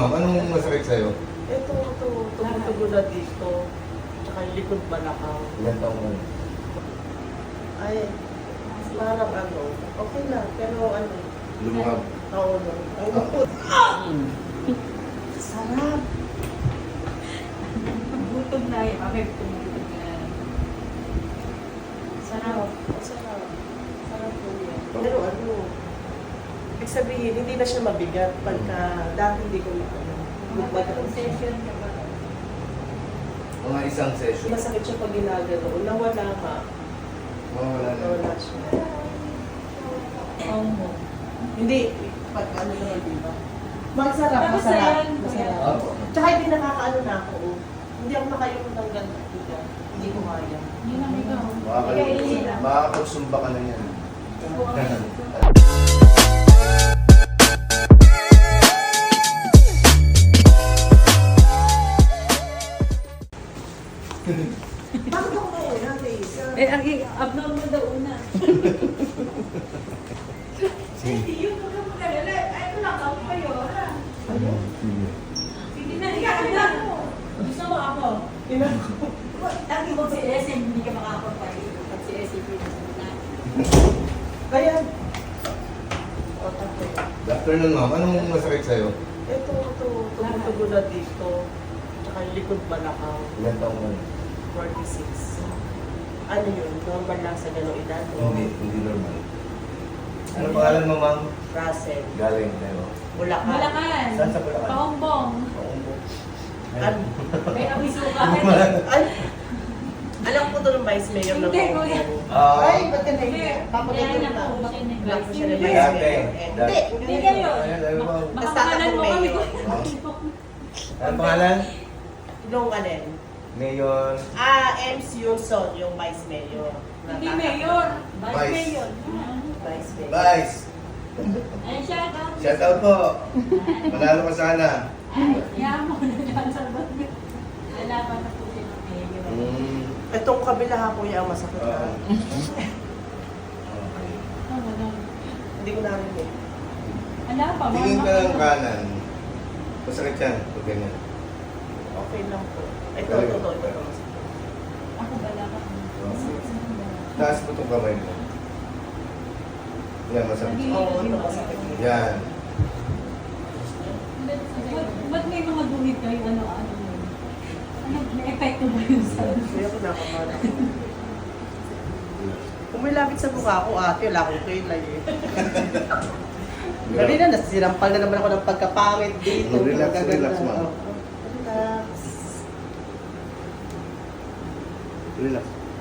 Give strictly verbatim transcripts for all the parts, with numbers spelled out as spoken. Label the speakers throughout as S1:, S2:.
S1: ma'am, anong masakit sa'yo?
S2: Ito, ito, tumutugo na dito. Tsaka yung likod balakang.
S1: Ilan taong mo?
S2: Ay, parang ano, okay na. Pero ano,
S1: Lumuhab.
S2: oo no. Ang lupot. Sarap.
S3: Gutom na yun. Okay, tumutog na.
S2: Sarap. Ang sarap. Sarap po yan. Pero ano, ibig sabihin, hindi na siya mabigat pagka dati hindi ko na ano.
S3: Magpatong session ka ba?
S1: Mga isang session.
S2: Masakit siya pag ginagano. Nawala ka.
S1: Mawala na.
S2: Nawala siya.
S3: Oo mo.
S2: Hindi, pag ano naman, di ba? Masarap,
S3: Tapos
S2: masarap.
S3: ayan,
S2: Masarap.
S3: kuya.
S1: Opo.
S2: Tsaka hindi nakakaano na ako. oh. Hindi ako nakayong ng ganito. diba? Hindi ko kaya.
S3: Yun ang ikaw.
S1: Makakal- Makakapagsumba ka na yan.
S2: Bakit ako na una, Tisa?
S3: Eh, ang abnormal daw una.
S1: Sige.
S3: Hindi yun. Huwag kang mag-alala. Ay, wala ka ako kayo. ha?
S2: Ano?
S3: Sige na, ikaw na. Gusto mo ako?
S2: Ina
S3: Lagi mo si S M, hindi ka makakapagpalit. Pag si S M, hindi ka na.
S2: Kaya, o tapos,
S1: Good afternoon, ma'am. Anong masakit sa'yo?
S2: ito, ito, tumutugo na dito. Tsaka yung likod balakang,
S1: Ilan taong mo?
S2: forty-six. Ano yun? Normal lang sa gano'ng edad? o
S1: Hindi, hindi normal. Ano pangalan mo, ma'am?
S2: Russell.
S1: Galing tayo.
S2: Bulacan.
S3: Bulacan.
S1: Saan sa Bulacan?
S3: Paombong.
S1: Paumbo.
S2: Ano?
S3: May abisuka.
S2: Ay, alam ko to ng vice mayor ng
S3: Hindi, kuya.
S1: Ah,
S2: Ay, ba't ka na
S3: Hindi.
S2: yun? Papagay
S3: Kaya
S2: na.
S3: na po siya nag-
S2: Alam ko siya ng
S3: Hindi.
S2: vice
S1: Dati.
S2: mayor. Eh,
S1: Dati.
S2: Hindi,
S3: Hindi kayo.
S1: Ayan, ayan, ma'am.
S2: Basta
S3: Makakalan
S2: ako
S3: mo kami.
S2: mayor.
S1: Ano pangalan?
S2: Nung alin?
S1: Mayor.
S2: Ah, M C Yunson, yung vice mayor.
S3: Hindi mayor. Vice
S1: Vice.
S3: mayor.
S2: Vice mayor.
S1: Vice.
S3: Ay, shout out.
S1: Shout out po. Manalo ka sana.
S3: Ay, yaman mo na dyan sa bagay. Lalaban na po siya ng mayor.
S1: Mm.
S2: Itong kabila ha, kuya, ang masakit
S1: Oo.
S2: na.
S1: Okay.
S3: Oo, wala.
S2: Hindi ko narinig.
S3: Wala pa.
S1: Tingin ka
S3: mga-
S1: ng kanan. Masakit yan. Pag ganyan.
S2: Okay lang po. Ito,
S1: Galing.
S2: ito, ito, ito. ito.
S3: Ako wala pa.
S1: Taas mo itong kamay mo. Yan, masakit.
S2: Oo, ito masakit.
S1: Yan.
S3: Ba't- Ba't may mga guhit kayo? Ano, ano yun? Ano, may epekto ba yun sa...
S2: Kaya ko nakamala. Kung may lapit sa mukha ko, ate, wala akong kilay eh. Dali na, nasirampal na naman ako ng pagkapangit dito.
S1: Relax,
S2: Pagkaganda.
S1: relax, ma'am.
S2: Oo. Relax.
S1: Relax.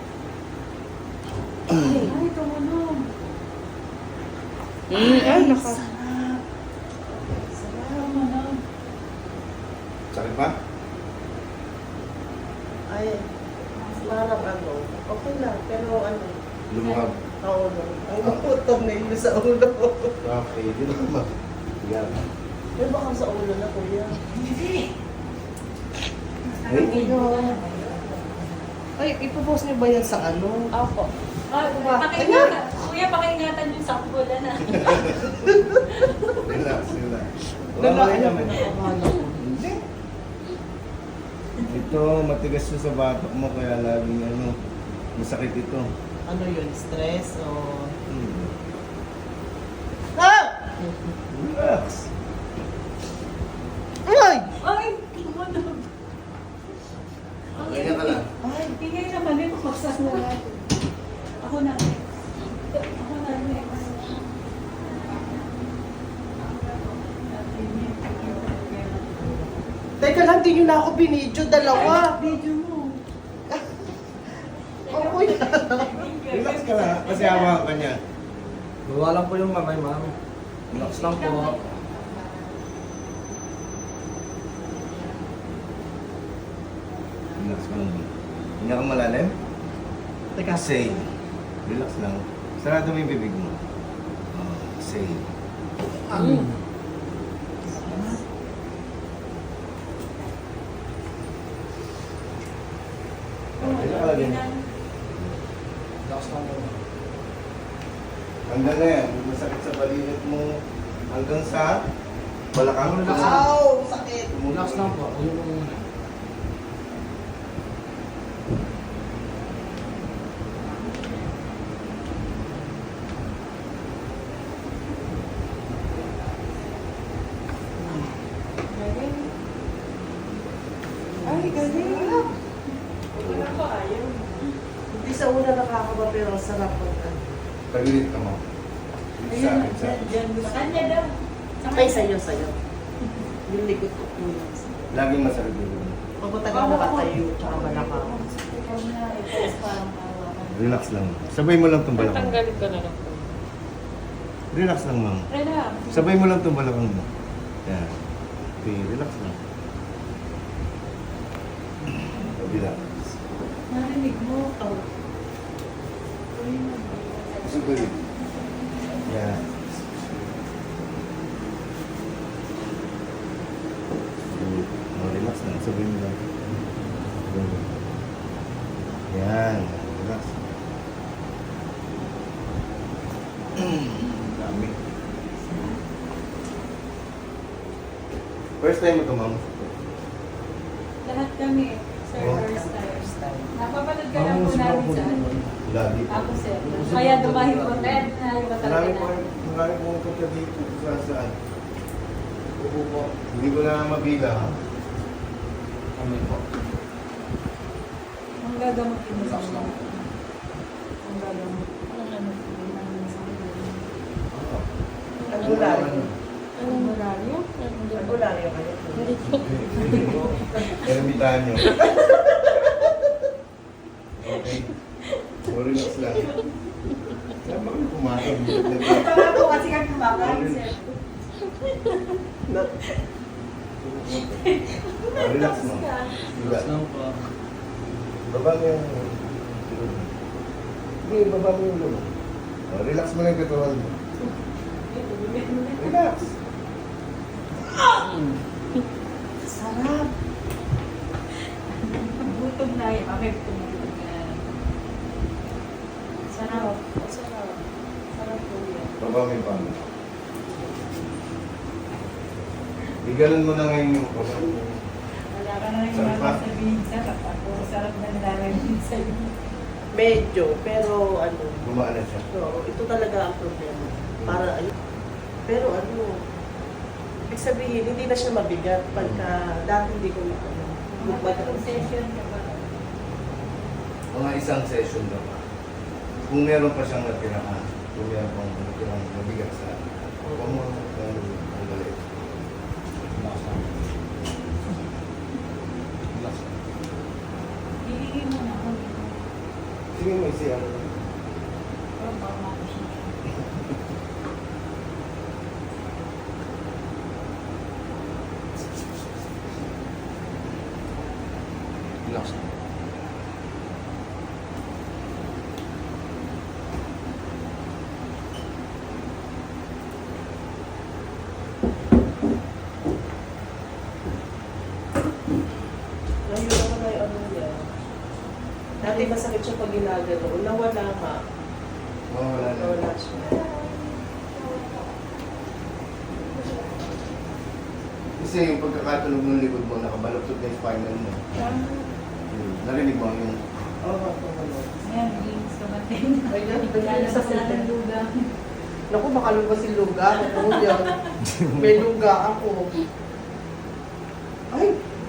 S3: Ay, tumunog.
S2: Ay, naka. Sarap. Sarap.
S3: Tumunog.
S1: Sakit ba?
S2: Ay, parang ano, okay lang, pero ano,
S1: Lumuhab.
S2: oo no. Ang luputog na yun sa ulo.
S1: Okay, di naman. Yan.
S2: May baka sa ulo na, kuya.
S3: Hindi.
S1: Eh?
S2: Ay, ipopost niyo ba yan sa ano?
S3: Opo. Ay,
S2: Ba?
S3: pakiingatan. Kuya, pakiingatan yung sakbo na.
S1: Relax, relax.
S2: Wala,
S1: Wala
S2: ano,
S1: naman.
S2: nakakamala ko.
S1: Hindi. Ito, matigas na sa batok mo kaya laging ano, masakit ito.
S2: Ano yun, stress o...
S1: Hmm.
S2: Ah!
S1: Relax.
S2: Ay!
S3: Ay, tumunog.
S1: Ganyan ka lang.
S3: Ay, tingay naman yun. Magsas na natin. Ako na. Ako na.
S2: Teka lang, di nyo na ako binidyo, dalawa.
S3: Video mo.
S2: Oh, kuya.
S1: Relax ka lang, kasi hawakan ka niya.
S4: Bawa lang po yung kamay, ma'am. Relax lang po.
S1: Relax ka lang. Hindi ka malalim?
S2: Teka,
S1: Say. Relax lang. Sarado mo yung bibig mo. Oh, say. Okay na ka lang.
S4: Relax lang po.
S1: Hanggang na yan. Masakit sa balikat mo hanggang sa balakang.
S2: Ow! Sakit!
S4: lang po. Yun yung...
S2: Galing. Ay, galing. Wala ko ayaw. Hindi sa una nakakaba pero ang sarap pagka.
S1: Tagilid ka mo. Sa akin, sa akin.
S3: Diyan, sa kanya daw. Sa
S2: Ay, sa'yo, sa'yo. Yung likod ko po yun.
S1: Laging masarap yun.
S2: Pagpatagal nakatayo, tsaka malaka.
S3: Ikaw na, ito is parang hawakan.
S1: Relax lang. Sabay mo lang itong balakang.
S5: Tatanggalin ko na lang.
S1: Relax lang, ma'am.
S3: Relax.
S1: Sabay mo lang itong balakang mo. Yan. Okay, relax lang. Kabila.
S3: Narinig mo.
S2: Oh.
S1: Sabay. Yan. Oh, relax lang. Sabay mo lang. Yan. Relax. Dami. First time mo ito, ma'am?
S3: Lahat kami. Sir,
S1: Oh.
S3: first time.
S2: First time.
S3: Napapanood ka lang po namin sa ano.
S1: Lagi po.
S3: Ako, sir. Kaya dumahin ko. Kaya dumahin ko talaga
S1: Marami po,
S3: na.
S1: marami po punta dito sa saan. Opo po. Hindi ko na mabilang.
S4: Kami po.
S3: Ang gagamutin mo sa
S4: Relax lang.
S3: Ang gagamutin. Ang ano, ang sa
S2: Albularyo.
S3: Anong horario?
S2: Albularyo kayo.
S1: Kaya imbitahan nyo. Okay. So, relax lang. Saan ba kayo kumakam?
S3: Tama po kasi kami kumakain, sir.
S1: Relax mo.
S4: Relax
S1: Diba?
S4: lang po.
S1: Baba mo yung... Hindi, baba mo yung ulo. Oh, relax mo lang yung katawan mo. Relax.
S3: Sarap. Gutom na yun. Okay, tumutulog na. Sarap.
S2: Sarap. Sarap po yan.
S1: Baba mo yung pano. Igalan mo na ngayon yung pano.
S3: Wala ka na rin
S1: Sarap pa?
S3: sabihin sarap. Ako, sarap na nalalamin sa'yo.
S2: Medyo, pero ano,
S1: Gumaan na siya.
S2: so, ito talaga ang problema. Para ayun. Pero ano, ibig sabihin, hindi na siya mabigat pagka dati hindi ko na ano.
S3: Magpatong session ka ba?
S1: Mga isang session na pa. Kung meron pa siyang natirahan, kung meron pang natirang mabigat sa huwag mo ang galit.
S4: Relax lang. Relax lang.
S3: Hihingin mo na ako.
S1: Sige mo isi ano.
S3: Pero baka makusya.
S4: Relax lang.
S2: Ngayon naman na yung ano niya. Dati masakit siya pag ginagano. Nawala ka.
S1: Mawala na.
S2: Nawala siya.
S1: Kasi yung pagkakatunog ng likod mo, nakabaluktot na yung spinal mo. Hmm. Narinig mo yung...
S2: Oo, oh, oo.
S3: Ayan, games ka ba din?
S2: Ayan,
S3: Lalo
S2: sa
S3: sa ng luga.
S2: Naku, makalungga si Luga. Ako yan. May Luga ako. Ay,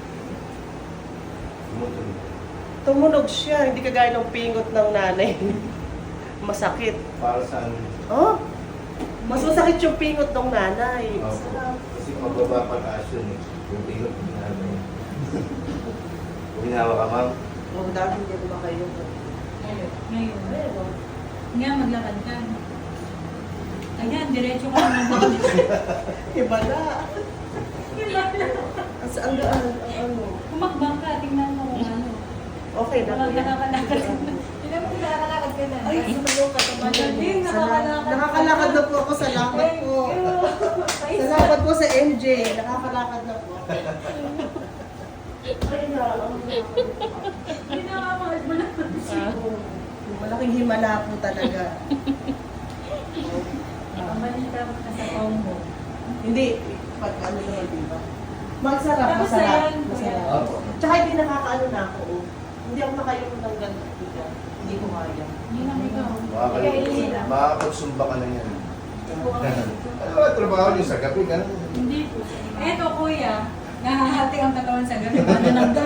S1: Tumutunog.
S2: tumunog siya. Hindi kagaya ng pingot ng nanay. Masakit.
S1: Para saan?
S2: Oh, mas masakit yung pingot ng nanay.
S1: Opo.
S2: Sarap.
S1: Kasi mababa pataas yun eh. Yung tingot ng nanay. Kung hinawa ka, ma'am,
S2: Oh, dati hindi ko makayo.
S3: Ngayon. Ngayon.
S2: Pero,
S3: Nga, maglakad ka. Ayan, diretso ka naman doon.
S2: iba na.
S3: Iba na.
S2: Ang ang gaan, ang ano.
S3: Kumakbang ka, tingnan mo kung ano.
S2: Okay na.
S3: Baka nakakalakad ka na. Tingnan mo kung nakakalakad ka na.
S2: Ay, sumayo ka naman.
S3: Magaling,
S2: Sala-
S3: nakakalakad.
S2: Nakakalakad na po ako. Salamat po. Salamat po sa M J. Nakakalakad na po. Ay, na.
S3: Hindi nakamahal mo na.
S2: Malaking himala po talaga.
S3: Nakabalita mo na sa phone mo.
S2: Hindi. Pag ano naman, di ba? Masarap,
S3: Tapos
S2: masarap.
S3: ayan,
S2: Masarap.
S3: kuya.
S1: Opo.
S2: Tsaka hindi nakakaano na ako. oh. Hindi ako makayong ng ganito. bigat. Hindi ko kaya.
S3: Yun lang ikaw.
S1: Makakal- Makakapagsumba ka na yan.
S3: Subukan ko.
S1: Ano ba trabaho niyo sa gabi? Ganun.
S3: Hindi po. Eto kuya, nahahati ang katawan sa gabi. Ano nang